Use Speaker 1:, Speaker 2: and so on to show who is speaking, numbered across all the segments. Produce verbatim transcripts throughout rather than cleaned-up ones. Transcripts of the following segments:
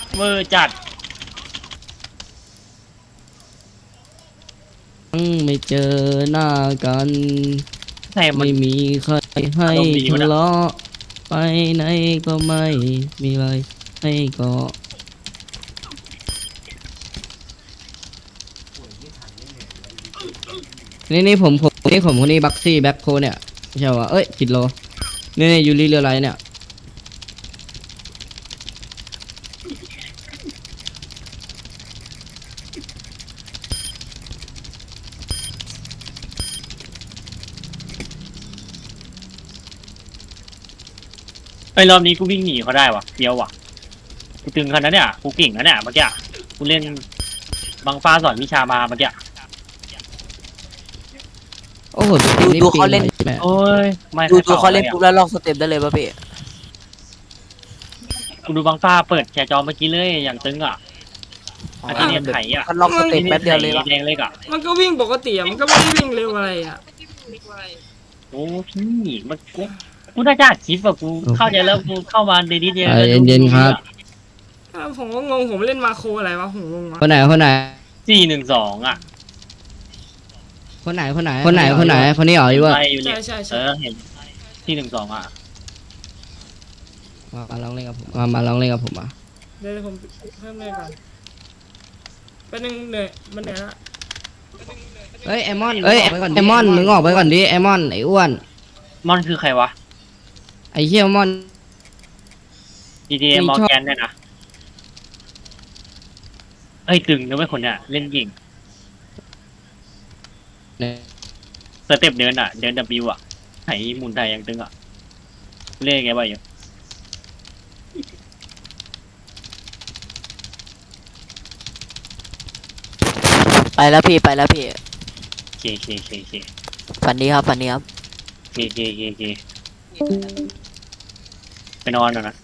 Speaker 1: เวอร์จัด
Speaker 2: ไม่เจอหน้ากัน
Speaker 1: แต่มัน
Speaker 2: ไม่มีใครให้
Speaker 1: อารมณ์ดีวะ
Speaker 2: ทะ
Speaker 1: เนี่ย
Speaker 2: เลาะไปไหนก็ไม่มีอะไรให้เกาะนี่นี่ผมผมนี่ผมคนนี้บักซี่แบ็คโคเนี่ยไม่ใช่ว่าเอ้ยผิดโลนี่นี่ยูริเรือไรเนี่ย
Speaker 1: ไอ้รอบนี้กูวิ่งหนีเขาได้วะเดียววะกูตึงขนาดนั้นเนี่ยกูเก่งนะเนี่ยเมื่อกี้กูเล่นบังฟ้าสอนวิชามาเมื่อกี้
Speaker 2: โอ้โห
Speaker 3: ดูดูเขาเล่น
Speaker 2: ใช่ไหม
Speaker 1: โอ้ยไม่
Speaker 3: ดู
Speaker 1: ให้
Speaker 3: ดูเขาเล่น
Speaker 1: อะ
Speaker 3: ปุ๊บแล้วลองสเต็ปได้เลยป่ะพี่
Speaker 1: กูดูบังฟ้าเปิดแชร์จอเมื่อกี้เลยอย่างตึงอ่ะอาจารย์ไถอ่ะ
Speaker 3: มันลองสเต็ปแป๊บเดียวเลย
Speaker 1: ไถ
Speaker 3: วะ
Speaker 1: แดงเล็กอ่ะ
Speaker 4: มันก็วิ่งปกติอะมันก็ไม่ได้วิ่งเร็วอะไรอ่ะ
Speaker 1: โอ้พี่มันกูกูน่าจะอัดคลิปอ่ะกูเข้าใจแล้วกูเข้ามาในดีเดียว
Speaker 2: ใจเย็นๆครับ
Speaker 4: อ้าวผมก็งงผมเล่นมาโครอะไรวะผมงงวะ
Speaker 2: คนไหนคนไหน
Speaker 1: สี่หนึ่งสองอ่ะ
Speaker 2: คนไหนคนไหนคนไหนคนไหนคนนี้เหรออยู่ว่า
Speaker 1: ไปอยู่เนี่
Speaker 4: ใช่
Speaker 1: ย
Speaker 4: ใช่
Speaker 1: เอ
Speaker 4: ใช่
Speaker 1: อเห็นที่หนึ่งสองอ่ะ
Speaker 2: มาลองเล่นกับผมมามาลองเล่นกับผมมา
Speaker 4: เดี๋ยวผมเพิ่มเลยก่อนเป็นหนึ่งเหนื่อยมันเหนื่อยละ
Speaker 2: เฮ้ยไอมอนเฮ้ยไอมอนมึงออกไปก่อนดิไอมอนไออ้วน
Speaker 1: มอนคือใครวะ
Speaker 2: ไอเฮียมอน
Speaker 1: ดีเจมอร์แกนเนี่ยนะเอ้ยตึงนะเว้ยคนเนี่ยเล่นยิง
Speaker 2: เนี่ย
Speaker 1: สเต็ปเดินอ่ะเดินดับบิวอ่ะไถหมุนไถอย่างตึงอ่ะเล่นไงบ้างอยู่
Speaker 3: ไปแล้วพี่ไปแล้วพี่
Speaker 1: เคเคเคเค
Speaker 3: ฝันดีครับฝันดีครับ
Speaker 1: เคเคเคเคไปนอนหน่อยนะ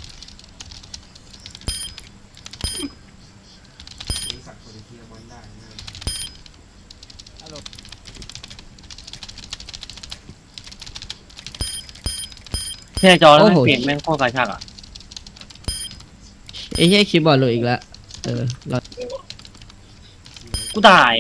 Speaker 1: แช่จอแล้วไม่เปลี่ยนแม่งโคตรกระชากอ่ะ
Speaker 2: ไอเฮียคีย์บอร์ดหลุดอีกแล้วเออเรา
Speaker 1: กูตาย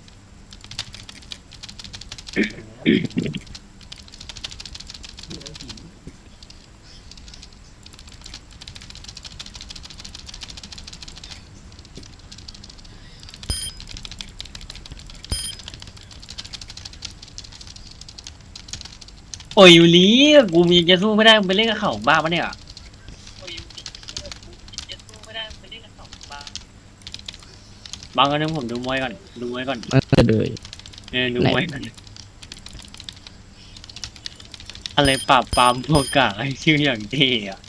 Speaker 1: โอ้ยยูริกูมีจะสู้ไม่ได้มึงไปเล่นกับเขาบ้าปะเนี่ยบางอันนึงผมดูมวยก่อนดูมวยก่อน
Speaker 2: มันจะเลย
Speaker 1: เออดูมวยก่อนอะไรปราบปรามพวกกากไอ้ชื่ออย่างเท่อะ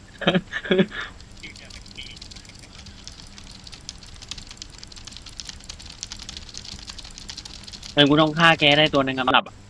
Speaker 1: เออกูต้องฆ่าแกได้ตัวหนึงอะมันหลับอะ